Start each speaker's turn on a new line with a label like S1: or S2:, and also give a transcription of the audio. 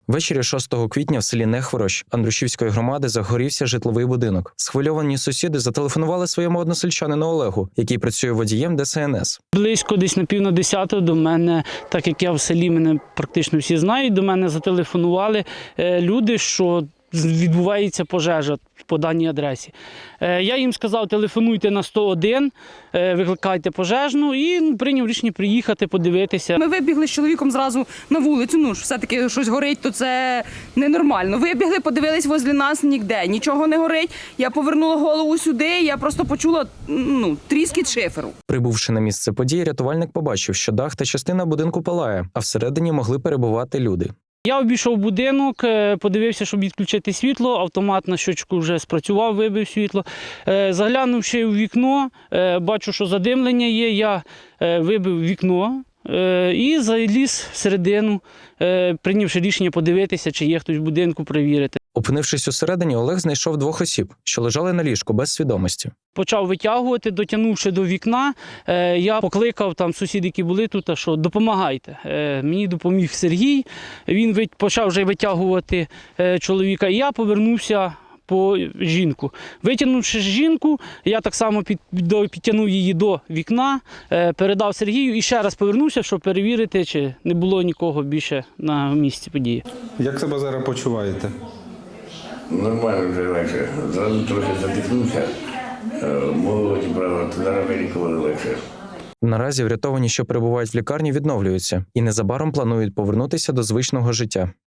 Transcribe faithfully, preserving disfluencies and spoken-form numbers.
S1: Ввечері шостого квітня в селі Нехворощ Андрушівської громади загорівся житловий будинок. Схвильовані сусіди зателефонували своєму односельчанину Олегу, який працює водієм Де Се Ен Ес.
S2: Близько десь на пів на десяту до мене, так як я в селі, мене практично всі знають, до мене зателефонували люди, що відбувається пожежа по даній адресі. Я їм сказав, телефонуйте на сто один, викликайте пожежну, і прийняв рішення приїхати, подивитися.
S3: Ми вибігли з чоловіком зразу на вулицю, ну ж все-таки щось горить, то це ненормально. Вибігли, подивились возле нас, ніде, нічого не горить. Я повернула голову сюди, я просто почула ну, тріскіт шиферу.
S1: Прибувши на місце події, рятувальник побачив, що дах та частина будинку палає, а всередині могли перебувати люди.
S2: Я обійшов будинок, подивився, щоб відключити світло, автомат на щочку вже спрацював, вибив світло. Заглянувши у вікно, бачу, що задимлення є, я вибив вікно і заліз всередину, прийнявши рішення подивитися, чи є хтось в будинку, перевірити.
S1: Опинившись усередині, Олег знайшов двох осіб, що лежали на ліжку без свідомості.
S2: Почав витягувати, дотягнувши до вікна, я покликав там сусідів, які були тут, що допомагайте. Мені допоміг Сергій, він почав вже витягувати чоловіка, і я повернувся по жінку. Витягнувши жінку, я так само під, підтягнув її до вікна, передав Сергію і ще раз повернувся, щоб перевірити, чи не було нікого більше на місці події.
S4: Як себе зараз почуваєте?
S5: Нормально вже легше. Зразу трохи задихнувся. Молоді, правда, зараз вилікували легше.
S1: Наразі врятовані, що перебувають в лікарні, відновлюються і незабаром планують повернутися до звичного життя.